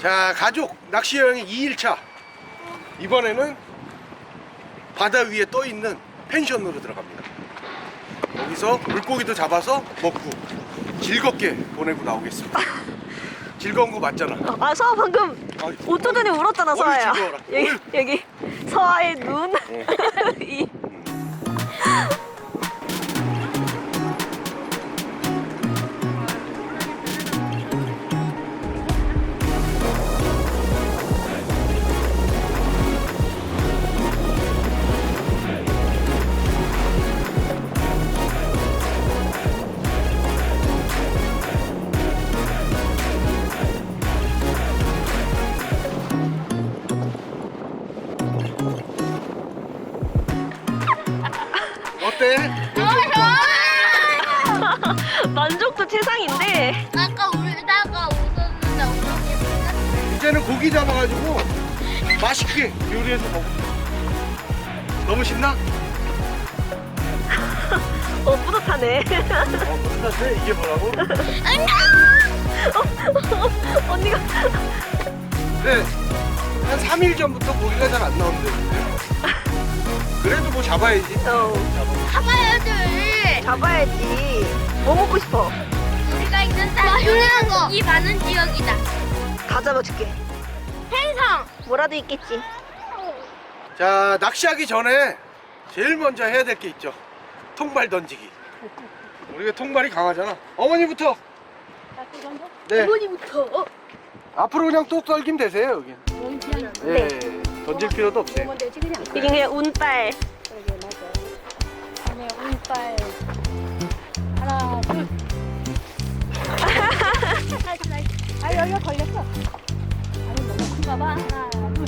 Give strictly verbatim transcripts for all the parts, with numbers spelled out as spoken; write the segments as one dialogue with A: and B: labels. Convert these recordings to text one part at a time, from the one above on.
A: 자, 가족 낚시 여행의 이 일차. 이번에는 바다 위에 떠 있는 펜션으로 들어갑니다. 거기서 물고기도 잡아서 먹고 즐겁게 보내고 나오겠습니다. 즐거운 거 맞잖아.
B: 아, 서아 방금
A: 아이,
B: 오토전에 울었잖아,
A: 어이,
B: 서아야.
A: 즐거워라.
B: 여기,
A: 어이.
B: 여기 서아의 눈. 이.
A: 어때?
B: 만족도 최상인데.
C: 아까 울다가 웃었는데 어떻게
A: 이제는 고기 잡아가지고 맛있게 요리해서 먹어. 너무 신나?
B: 어, 뿌듯하네.
A: 어, 끝났네. 이게 뭐라고?
B: 언니가.
A: 네. 한 삼 일 전부터 고기가 잘 안 나온대. 그래도 뭐 잡아야지.
B: 어,
C: 잡아야지.
B: 잡아야지. 뭐 먹고 싶어?
C: 우리가 있는 맛있는 거. 이 많은 지역이다.
B: 다 잡아줄게.
C: 행성.
B: 뭐라도 있겠지.
A: 자, 낚시하기 전에 제일 먼저 해야 될 게 있죠. 통발 던지기. 우리가 통발이 강하잖아. 어머니부터. 네.
C: 어머니부터. 어?
A: 앞으로 그냥 뚝 떨기면 되세요, 여기. 네. 던질 필요도 없어요.
B: 이게 그냥 운빨.
C: 네, 운빨. 하나, 둘. 아, 여기가 걸렸어. 아니, 너무 큰가 봐. 하나, 둘.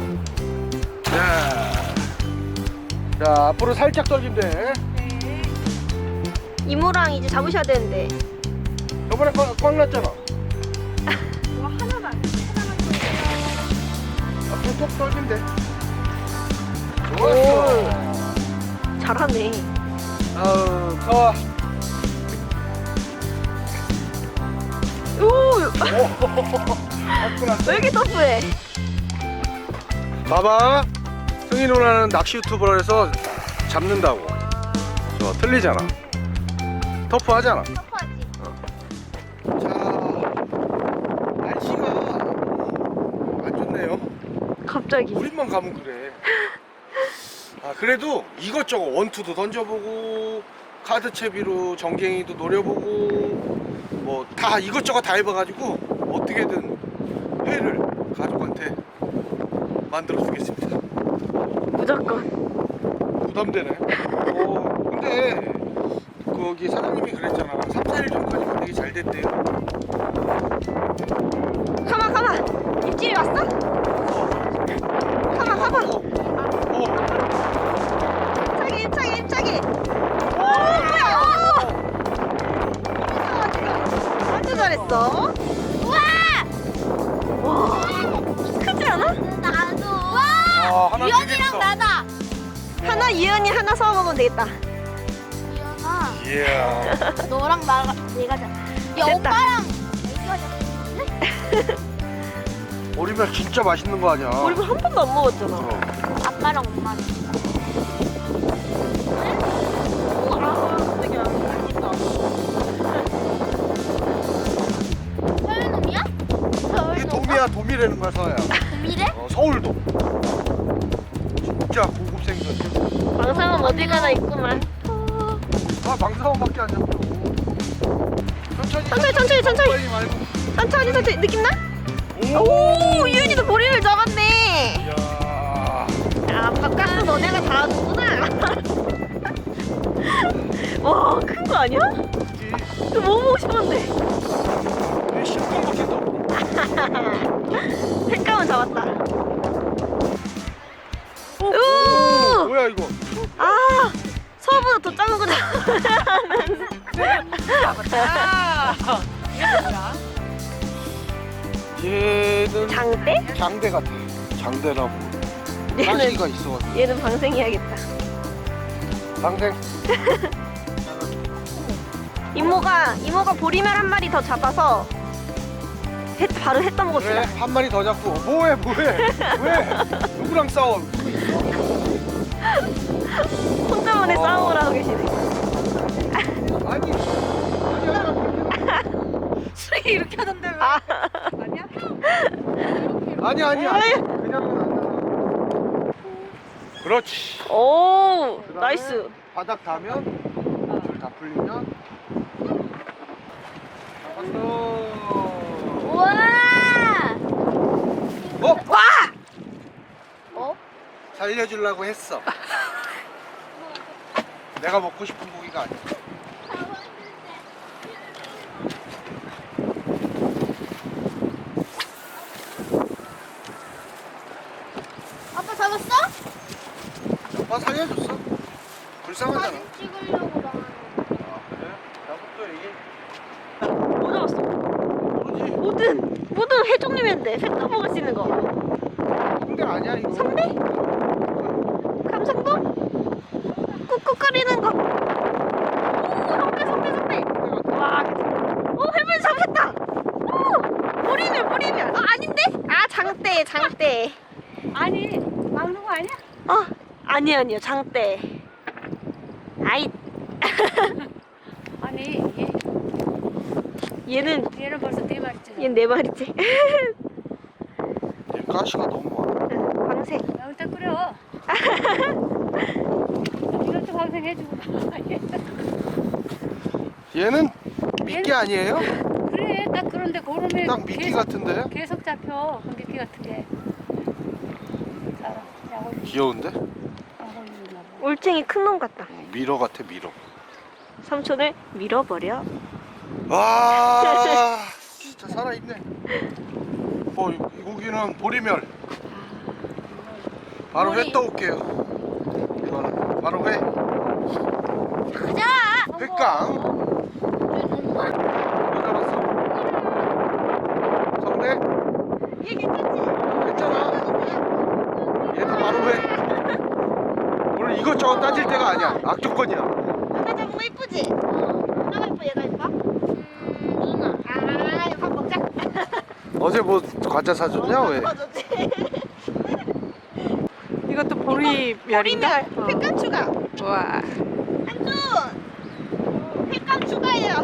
A: 자, 자 앞으로 살짝 떨기면 돼.
C: 네.
B: 이모랑 이제 잡으셔야 되는데.
A: 저번에 꽉, 꽉 났잖아.
C: 이거 하나만. 하나만 더.
A: 앞으로 뚝 떨기면 돼. 좋았어.
B: 잘하네.
A: 아우, 더워.
B: 오,
A: 왔구나.
B: 왜 이렇게 터프해?
A: 봐봐. 승희 누나는 낚시 유튜버로 해서 잡는다고. 저 틀리잖아. 터프하잖아.
C: 터프하지.
A: 자, 날씨가 안 좋네요.
B: 갑자기.
A: 우리만 가면 그래. 아, 그래도 이것저것 원투도 던져보고 카드 채비로 정갱이도 노려보고 뭐 다 이것저것 다 해봐가지고 어떻게든 회를 가족한테 만들어 주겠습니다.
B: 무조건.
A: 부담되네. 어, 근데 거기 사장님이 그랬잖아. 삼, 사 일 전까지만 되게 잘 됐대요.
B: 가만, 가만. 입질이 왔어? 가만, 가만.
A: 어, 어.
B: 입차기, 입차기, 입차기. 오, 뭐야? 완전 잘했어.
C: 우와!
B: 와, 크지 않아?
C: 나도. 와!
A: 아, 하나
C: 유연이랑
A: 되겠어.
C: 나다.
B: 하나 이은이 하나 서아 먹으면 되겠다.
C: 유연아,
A: 이야.
C: 너랑 나가 내가 잡. 야,
B: 됐다.
C: 오빠랑 내가 잡.
A: 오리발 진짜 맛있는 거 아니야?
B: 우리 한 번도 안 먹었잖아.
A: 그럼.
C: 아빠랑 엄마랑. 서울놈이야?
A: 이게
C: 서울놈.
A: 도미야, 도미라는 거야, 서야.
C: 도미래?
A: 어, 서울도. 진짜 고급 생선.
B: 방상은 어디 가나 있구만.
A: 아, 방사원밖에 안 잡혀. 천천히,
B: 천천히, 천천히, 천천히.
A: 빨리 말고.
B: 천천히, 천천히. 느낌 나?
A: 오!
B: 오, 이은이도 머리를 잡았네.
A: 이야.
B: 아, 바깥은 너네가 다 하는구나. 와, 큰 거 아니야? 이거 뭐 먹고 싶었는데.
A: 이 실컷 먹겠다.
B: 색감은 잡았다. 오!
A: 오, 뭐야, 이거?
B: 아, 서보다 더 작은 거 잡았다.
A: 얘는
B: 장대?
A: 장대 같아. 장대라고.
B: 얘는,
A: 가시가 있어.
B: 얘는 방생해야겠다.
A: 방생.
B: 이모가, 이모가 보리멸 한 마리 더 잡아서 해, 바로 해 따먹읍시다.
A: 그래 한 마리 더 잡고 뭐해 뭐해 왜 누구랑 싸워?
B: 혼자만의
A: 어.
B: 싸움을 하고 계시네.
A: 아니
C: 수리 이렇게 하던데 왜?
B: 아,
C: 아니야?
A: 아니 아니 아니 그냥은 안 나와. 그렇지.
B: 오,
A: 그다음에
B: 나이스.
A: 바닥 닿으면 줄 다 풀리면 잡았어.
C: 우와!
A: 어?
B: 와!
C: 어?
A: 살려주려고 했어. 내가 먹고 싶은 고기가 아니야.
C: 아빠 잡았어?
A: 아빠 살려줬어. 불쌍하잖아.
C: 사진 찍으려고 나.
A: 아 그래? 나부터 얘기.
B: 뭐 잡았어?
A: 모르지.
B: 모든, 모든 해종류인데 회 떠먹을 수 있는 거.
A: 근데 아니야 이거.
B: 선배? 감성도? 꾹꾹거리는 거. 오, 선배, 선배, 선배. 와, 오, 해물 잡혔다. 오, 보리멸, 보리멸. 아, 아닌데? 아, 장대, 장대.
C: 아니, 막는 거 아니야?
B: 어, 아니, 아니요, 장대. 아이,
C: 아니, 얘,
B: 얘는,
C: 얘는 벌써 네 마리째.
B: 얘는 네 마리째.
A: 얘 가시가 너무 많아.
B: 광색.
C: 여기다 끓여. 이것도 방생해주고.
A: 얘는 미끼 아니에요?
C: 그래, 딱 그런데 고름에
A: 딱 미끼
C: 계속,
A: 같은데?
C: 계속 잡혀. 그 미끼 같은 게. 자, 약을
A: 귀여운데?
C: 약을 넣나 봐.
B: 올챙이 큰 놈 같다.
A: 미러 같아 미러.
B: 삼촌을 밀어버려.
A: 와 진짜 살아있네. 어, 이, 이 고기는 보리멸. 바로 회
C: 보리.
A: 떠올게요. 이거는 바로 회.
C: 가자!
A: 횟감. 뭐 잡았어? 성대?
B: 얘 괜찮지?
A: 괜찮아. 얘도 바로 회. 오늘 이것저것 따질 때가 아니야. 악조건이야.
B: 누나 잡은 거 이쁘지? 누나가 이뻐, 얘가 이뻐? 음, 누나. 아, 이거 밥 먹자.
A: 어제 뭐 과자 사줬냐 왜?
B: 먹어줬지.
D: 이것도 보리멸인가?
B: 보리멸, 횟감 추가.
D: 와.
B: 한준, 횟감 추가해요.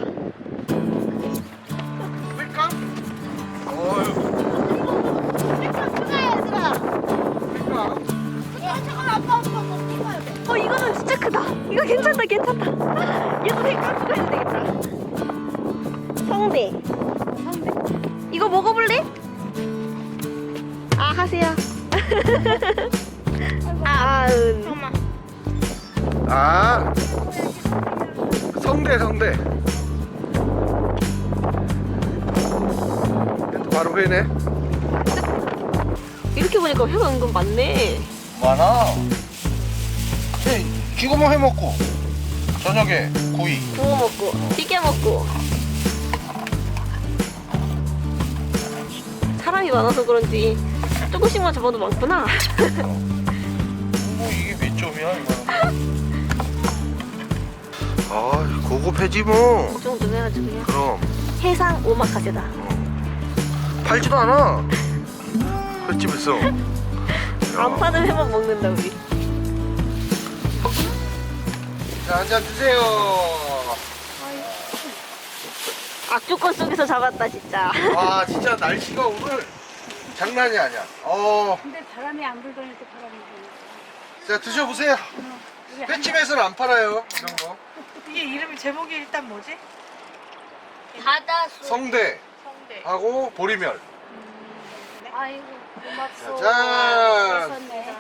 A: 횟감? 어휴.
B: 횟감 추가해, 얘들아.
A: 횟감.
B: 야, 잠깐 아빠 아빠 뭐 찍어야 돼. 어, 이거는 진짜 크다. 이거 괜찮다, 괜찮다. 얘도 횟감 추가해도 되겠다. 성대.
C: 성대.
B: 이거 먹어볼래? 아, 하세요. 아, 은.
C: 잠깐만.
A: 아 성대 성대. 얘도 바로 회네.
B: 이렇게 보니까 회가 은근 많네.
A: 많아. 네, 지금은 회 먹고 저녁에 구이.
B: 구워 먹고, 튀겨 먹고. 사람이 많아서 그런지 조금씩만 잡아도 많구나.
A: 뭐 이게 몇 점이야 이거는? 아 고급 회지 뭐.
B: 이 정도 해가지고요.
A: 그럼
B: 해상 오마카세다.
A: 팔지도 않아. 횟집에서.
B: 안 파는 회만 먹는다 우리.
A: 자 한잔 드세요.
B: 악조건 속에서 잡았다 진짜.
A: 와 진짜 날씨가 오늘 장난이 아니야. 어,
C: 근데 바람이 안 불더니 또 바람이 부네.
A: 자 드셔보세요.
C: 우리 한
A: 횟집에서는 안 팔아요 이런 거.
D: 이게 이름이 제목이 일단 뭐지?
C: 바다수.
A: 성대
D: 성대.
A: 하고 보리멸.
C: 아이고 고맙소.
A: 짜잔.
C: 있었네.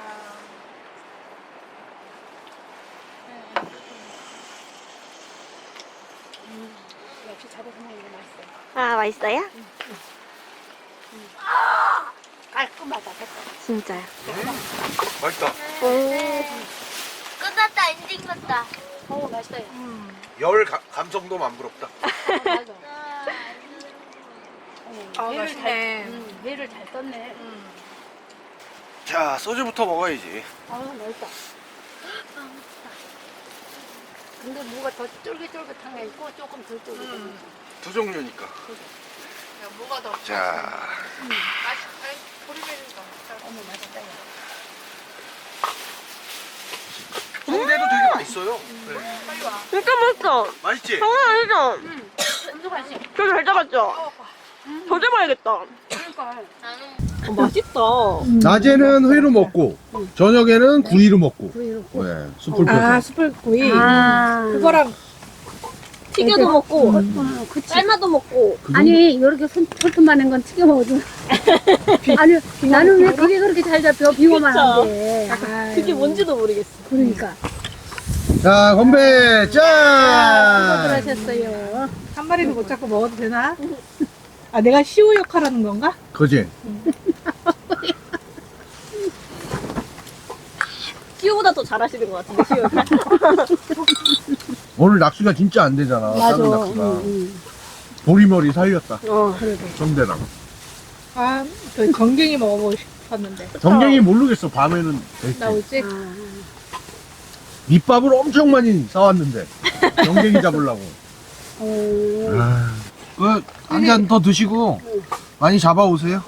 C: 음, 역시 잡아서 먹는 게 맛있어.
B: 아 맛있어요?
C: 깔끔하다, 됐다.
B: 진짜요.
A: 맛있다.
B: 오.
C: 끝났다, 엔딩 났다. 어, 맛있다.
A: 열 가- 감성도 만부럽다.
C: 맞아.
D: 아,
C: 회를
D: 맛있네.
C: 잘, 음, 회를 잘 떴네.
A: 자 소주부터 먹어야지.
C: 아, 맛있다. 근데 뭐가 더 쫄깃쫄깃한 게 있고 조금 덜 쫄깃한 게 있고.
A: 두 종류니까.
D: 뭐가 더
A: 자,
D: 맛있? 아니 보리멸이가.
C: 어머 맛있다.
A: 성대도 되게 맛있어요. 네.
D: 빨리 와.
B: 진짜 맛있어.
A: 맛있지?
B: 장난 아니죠?
C: 엄청 맛있어.
B: 되게 잘 잡았죠? 더 잡아야겠다.
C: 그러니까.
B: 어, 맛있다.
A: 낮에는 회로 먹고 저녁에는 구이로 먹고.
C: 구이로.
A: 네, 숯불
D: 아
A: 펴서.
D: 숯불구이.
C: 아.
D: 그거랑
B: 튀겨도 먹고,
C: 어, 그치.
B: 삶아도 먹고.
C: 아니 이렇게 손 털톱만한 건 튀겨 먹어도. 아니 나는 왜 그게 그렇게 잘 잡혀 빙어만
B: 그쵸.
C: 한데.
B: 그게 뭔지도 모르겠어.
C: 그러니까.
A: 자, 건배!
C: 수고들
A: 짠!
C: 하셨어요.
D: 한 마리도 못 잡고 먹어도 되나? 아 내가 시우 역할하는 건가?
A: 그지?
B: 시우보다 더 잘하시는 것 같은데, 시우.
A: 오늘 낚시가 진짜 안 되잖아.
C: 맞아.
A: 작은 낚시가.
C: 응, 응.
A: 보리머리 살렸다.
B: 어.
C: 그래도.
A: 성대랑.
D: 아그 전갱이 먹어보고 싶었는데
A: 정갱이 모르겠어. 밤에는 될지.
D: 나올지?
C: 아.
A: 밑밥을 엄청 많이 싸왔는데. 정갱이 잡으려고.
C: 어.
A: 아, 그한 잔 더 드시고 많이 잡아오세요.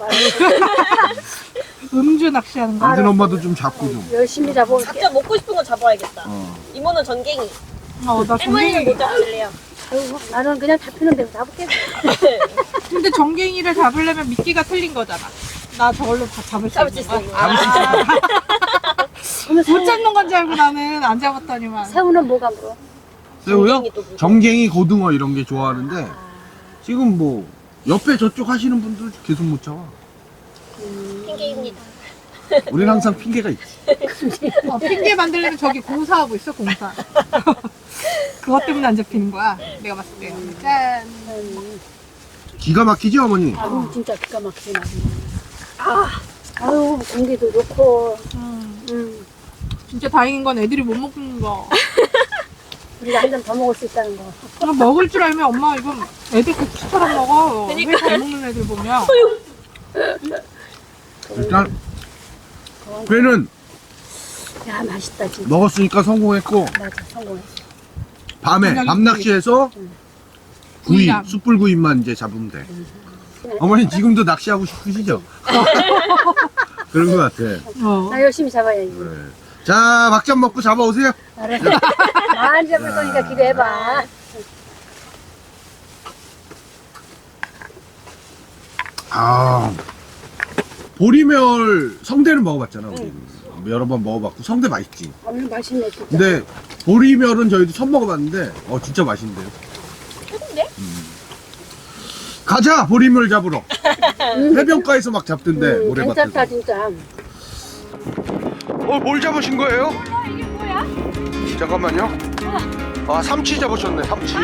D: 음주 낚시하는 거?
A: 안든 엄마도 좀 잡고 좀.
C: 열심히 잡아올게.
B: 각자 먹고 싶은 거 잡아야겠다.
A: 어.
B: 이모는 전갱이.
D: 어나
B: 할머니는
D: 전갱이
B: 못 잡으실래요?
C: 아이고, 나는 그냥 잡히는 대로 잡을게.
D: 근데 전갱이를 잡으려면 미끼가 틀린 거잖아. 나 저걸로 다 잡을 수
B: 잡을 수
D: 있는
B: 있어.
D: 거야?
B: 이거.
A: 잡을 수 있어.
C: 그러면
D: 못
C: 새,
D: 잡는 건 줄 알고 나는 안 잡았더니만.
C: 새우는 뭐가 물어?
A: 새우요?
B: 전갱이 또 물어.
A: 정갱이, 고등어 이런 게 좋아하는데 지금 뭐 옆에 저쪽 하시는 분들 계속 못 잡아.
B: 핑계입니다.
A: 우리는 항상 핑계가 있지.
D: 어, 핑계 만들려면 저기 공사하고 있어 공사. 그것 때문에 안 잡히는 거야. 내가 봤을 때. 짠.
C: 음.
A: 기가 막히지 어머니?
C: 아유, 진짜 기가 막히네. 아, 아유, 공기도 좋고.
D: 음,
C: 음,
D: 진짜 다행인 건 애들이 못 먹는 거.
C: 우리가 한 잔 더 먹을 수 있다는 거.
D: 그럼 먹을 줄 알면 엄마 이건 애들 국수처럼 먹어.
B: 그러니까.
D: 우리 잘 먹는 애들 보면.
A: 일단 회는
C: 야, 맛있다, 진짜.
A: 먹었으니까 성공했고
C: 맞아, 성공했어.
A: 밤에
D: 저녁에
A: 밤 낚시해서 구이,
D: 구이랑.
A: 숯불구이만 이제 잡으면 돼. 어머니 지금도 낚시하고 싶으시죠? 그런 것 같아.
D: 어.
C: 나 열심히 잡아야지.
A: 네. 자, 막잔 먹고 잡아오세요.
C: 알았어. 많이 잡을 거니까 기대해봐.
A: 아, 보리멸 성대는 먹어봤잖아. 우리. 여러 번 먹어봤고 성대 맛있지.
C: 오늘 맛있네, 진짜.
A: 근데 보리멸은 저희도 처음 먹어봤는데 어 진짜 맛있는데요.
B: 최고인데?
A: 가자 보리멸 잡으러. 해변가에서 막 잡던데
C: 음,
A: 모래밭에서.
C: 괜찮다, 진짜.
A: 어, 뭘 잡으신 거예요? 이게 뭐야? 잠깐만요. 아, 삼치 잡으셨네, 삼치.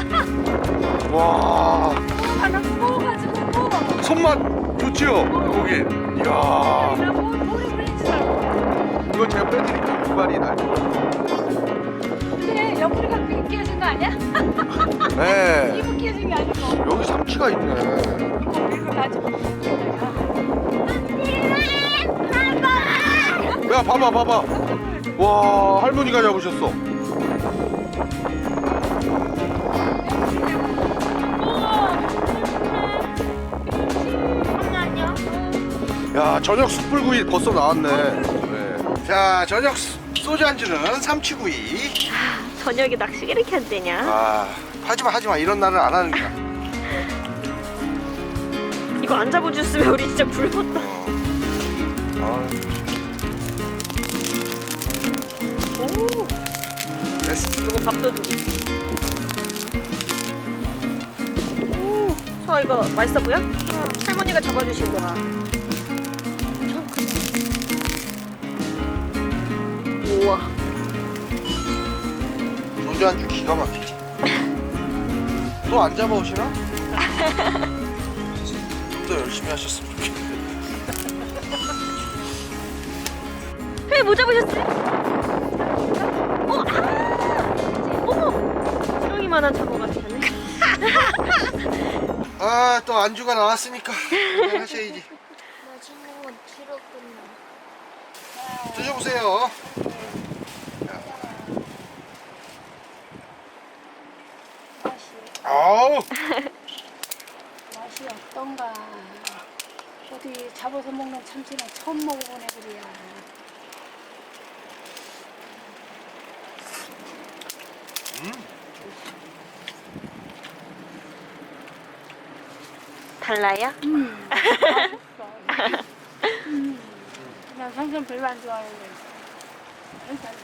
A: 와.
C: 아, 나 무거워가지고.
A: 손맛 좋지요, 고기. 이야. 이거 제가 빼드릴게요, 이발이 날.
C: 그래, 옆구리가 그게 끼어진 거 아니야?
A: 네.
C: 이거 끼어진 게 아니고.
A: 여기 삼치가 있네.
C: 이거 가지고.
A: 야, 봐봐, 봐봐. 와, 할머니가 잡으셨어. 야, 저녁 숯불구이 벌써 나왔네. 네. 자, 저녁 소- 소주 안주는 삼치구이.
B: 저녁에 낚시가 이렇게 안 되냐?
A: 아, 하지마, 하지마. 이런 날은 안 하는 거야.
B: 이거 안 잡아줬으면 우리 진짜 굶었다.
A: 아,
B: 오,
A: 됐어.
B: 이거 밥도 주고. 오, 저 이거 맛있어 보여? 할머니가 잡아주신 거야. 우와.
A: 소주 안주 기가 막히지. 또 안 잡아오시나? 좀 더 열심히 하셨으면 좋겠는데.
B: 회 뭐 잡으셨어요? 어, 아! 어머! 지렁이만한 장어 같다는.
A: 아, 또 안주가 나왔으니까 하셔야지.
C: 맛있는 건 길었구나.
A: 드셔보세요.
C: 맛이,
A: 아우,
C: 맛이 없다. 어떤가. 어디 잡아서 먹는 참치는 처음 먹어보네 그래야.
A: 음.
B: 달라요?
C: 음. 음. 나 생선 별로 안 좋아하는데. 괜찮네.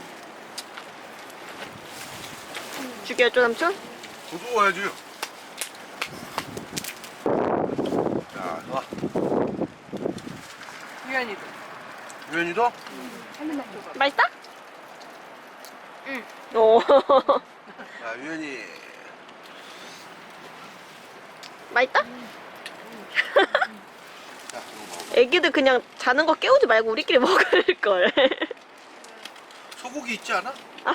B: 죽여줘 삼촌?
A: 저도 와야지. 자, 좋아.
D: 유연이도.
A: 유연이도?
C: 한 입만 줘.
B: 맛있다? 응. 오.
A: 자, 유연이.
B: 맛있다?
A: 자, 이거 먹어.
B: 애기들 그냥 자는 거 깨우지 말고 우리끼리 먹을걸.
A: 소고기 있지 않아?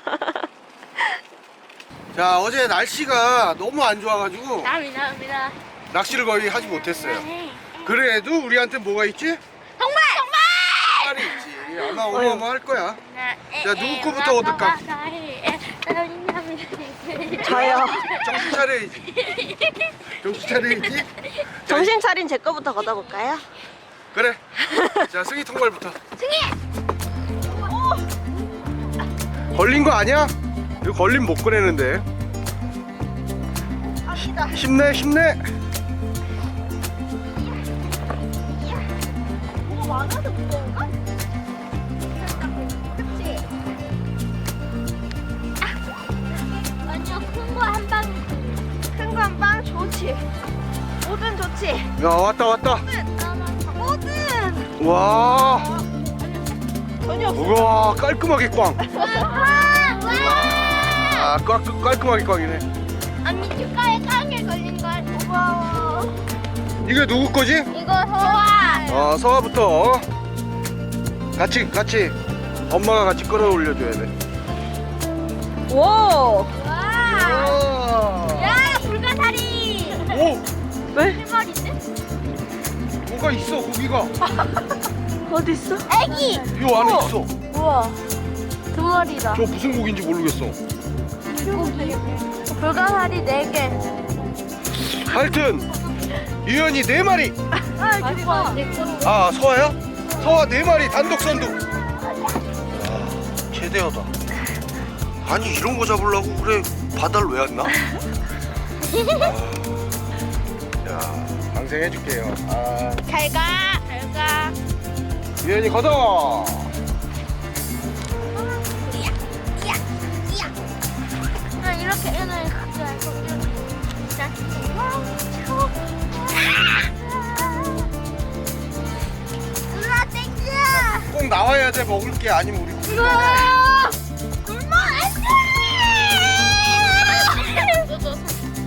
A: 자, 어제 날씨가 너무 안 좋아가지고
B: 감사합니다.
A: 낚시를 거의 하지 못했어요. 그래도 우리한테 뭐가 있지?
B: 정말!
A: 말이 있지. 아마 어마어마할 거야. 자, 누구 거부터 얻을까?
B: 저요.
A: 정신 차려야지. 정신 차려야지. 자,
B: 정신 차린 제 거부터 걷어볼까요?
A: 그래. 자, 승희 통발부터. 걸린 거 아니야? 이거 걸리면 못 꺼내는데.
B: 갑니다.
A: 힘내, 힘내.
B: 뭐가 많아서 무서운가? 그치?
E: 아니요, 큰 거 한 방.
B: 큰 거 한 빵 좋지. 뭐든 좋지.
A: 야, 왔다, 왔다.
B: 뭐든.
A: 와,
B: 전혀 없어.
A: 우와, 깔끔하게 꽝.
E: 와, 와.
A: 아, 깔끔, 깔끔하게 꽝이네.
E: 언니 축가에 깡에 걸린 걸 고마워.
A: 이게 누구 거지?
E: 이거 소화.
A: 어, 서아부터 같이, 같이 엄마가 같이 끌어올려줘야 돼.
B: 와.
E: 와.
A: 우와.
E: 야, 불가사리.
A: 오,
B: 왜?
E: 실머리인데?
A: 뭐가 있어, 고기가.
B: 어디 있어?
E: 애기.
A: 이 안에
B: 어.
A: 있어.
E: 우와. 두 마리다.
A: 저 무슨 고기인지 모르겠어.
E: 물고기. 불가사리 네 개.
A: 하여튼 유연이 네 마리.
E: 아, 이거 내 거.
A: 아, 서아야? 서아 네 마리 단독 선두. 아, 최대하다. 아니, 이런 거 잡으려고 그래 바다를 왜 왔나? 아, 자, 방생해줄게요. 아,
E: 잘 가. 잘 가.
A: 유연이 걷어.
E: 아, 이렇게 얘는 각자 알고 이렇게. 자. 누나 땡겨.
A: 꼭 나와야 돼, 먹을 게 아니면 우리 굶어.
E: 우와! 굶어 안 돼!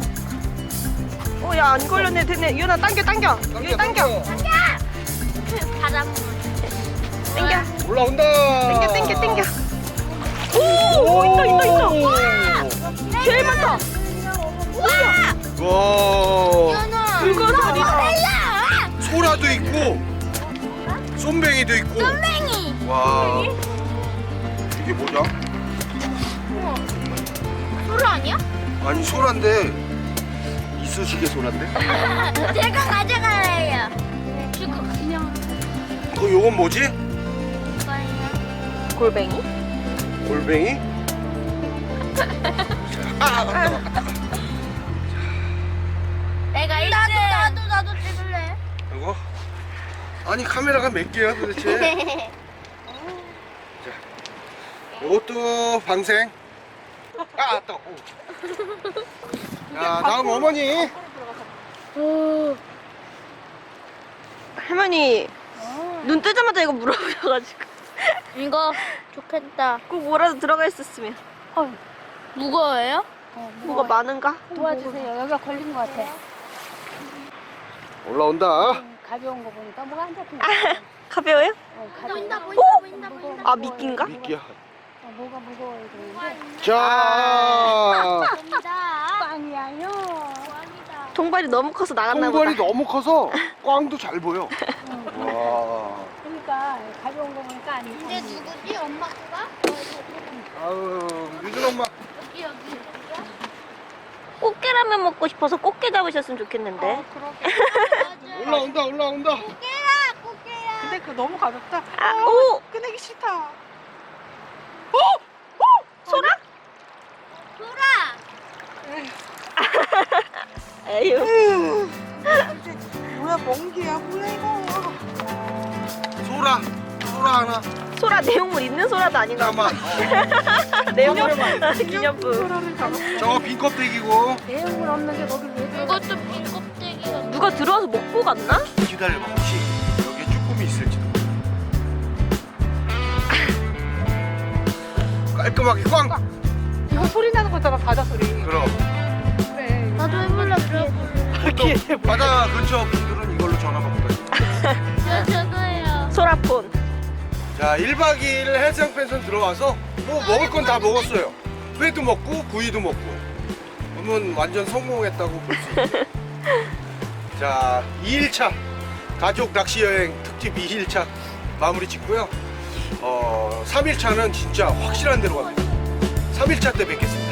B: 어, 야, 안 걸렸네. 됐네. 유나 당겨, 당겨. 유나 당겨.
E: 바닷물.
B: 당겨.
A: 올라온다.
B: 당겨, 당겨, 당겨. 오, 오, 있다, 있다, 있다. 제일 많다.
E: 우와!
A: 와,
E: 연아.
B: 불가사리다.
A: 소라도 있고 쏨뱅이도 있고.
E: 땡이.
A: 와, 이게 뭐냐?
E: 소라 아니야?
A: 아니, 소란데 이쑤시개 소란데?
E: 제가 가져갈래요. 주고 그냥
A: 그 요건 뭐지?
E: 이거예요.
B: 골뱅이?
A: 골뱅이? 아, 아,
E: 내가 일 등. 나도 나도 나도 찍을래.
A: 이거? 아니, 카메라가 몇 개야 도대체? 이것도 방생. 아, 또. 자, 다음 어머니.
B: 할머니, 눈 뜨자마자 이거 물어보셔가지고.
E: 이거 좋겠다.
B: 꼭 뭐라도 들어가 있었으면.
E: 무거워요?
C: 어,
B: 뭐가 많은가?
C: 도와주세요. 여기가 걸린 것 같아.
A: 올라온다.
C: 음, 가벼운 거 보니까 뭐가 안 잡히네.
B: 가벼워요?
C: 어, 가벼워.
E: 보인다 보인다 보인다 보인다.
B: 아, 미끼인가?
A: 미끼야.
C: 어, 뭐가 무거워야 되는데.
A: 자,
E: 보인다.
C: 빵이야요.
E: 왕이다.
B: 통발이 너무 커서 나갔나 보다.
A: 통발이 너무 커서 꽝도 잘 보여. 와.
C: 그러니까 가벼운 거 보니까 안
E: 이제
C: 잡히네.
E: 누구지? 엄마가?
A: 아유, 유준 엄마.
E: 여기 여기.
B: 꽃게라면 먹고 싶어서 꽃게 잡으셨으면 좋겠는데.
E: 그러게. 맞아.
A: 올라온다 올라온다.
E: 꽃게야, 꽃게야.
D: 근데 그거 너무 가볍다.
B: 아,
D: 어,
B: 오!
D: 꺼내기 싫다. 어?
B: 소라?
E: 돌아.
B: 에휴.
D: 으, 이제 뭐야 멍게야 뭐야 이거.
A: 소라 소라 하나.
B: 소라 내용물 있는 소라도 아닌가 봐.
A: 잠깐만.
B: 내용물 기념품.
D: 소라를 잡았어.
A: 저거 빈 껍데기고.
C: 내용물 없는 게 거기 왜 들어가?
E: 이것도 빈 껍데기야.
B: 누가 들어와서 먹고 갔나?
A: 기다려봐. 혹시 여기에 쭈꾸미 있을지도. 깔끔하게 꽝.
D: 이거 소리 나는 거잖아 바다 소리.
A: 그럼
D: 그래.
E: 나도 해볼래, 그래.
A: 바다 근처 분들은 이걸로 전화 받고 가요.
E: 저, 저도요.
B: 소라폰.
A: 자, 일 박 이 일 해상 펜션 들어와서 뭐 먹을 건 다 먹었어요. 회도 먹고 구이도 먹고. 그러면 완전 성공했다고 볼 수 있어요. 자, 이 일차 가족 낚시 여행 특집 이 일차 마무리 짓고요. 어, 삼 일차는 진짜 확실한 데로 갑니다. 삼 일차 때 뵙겠습니다.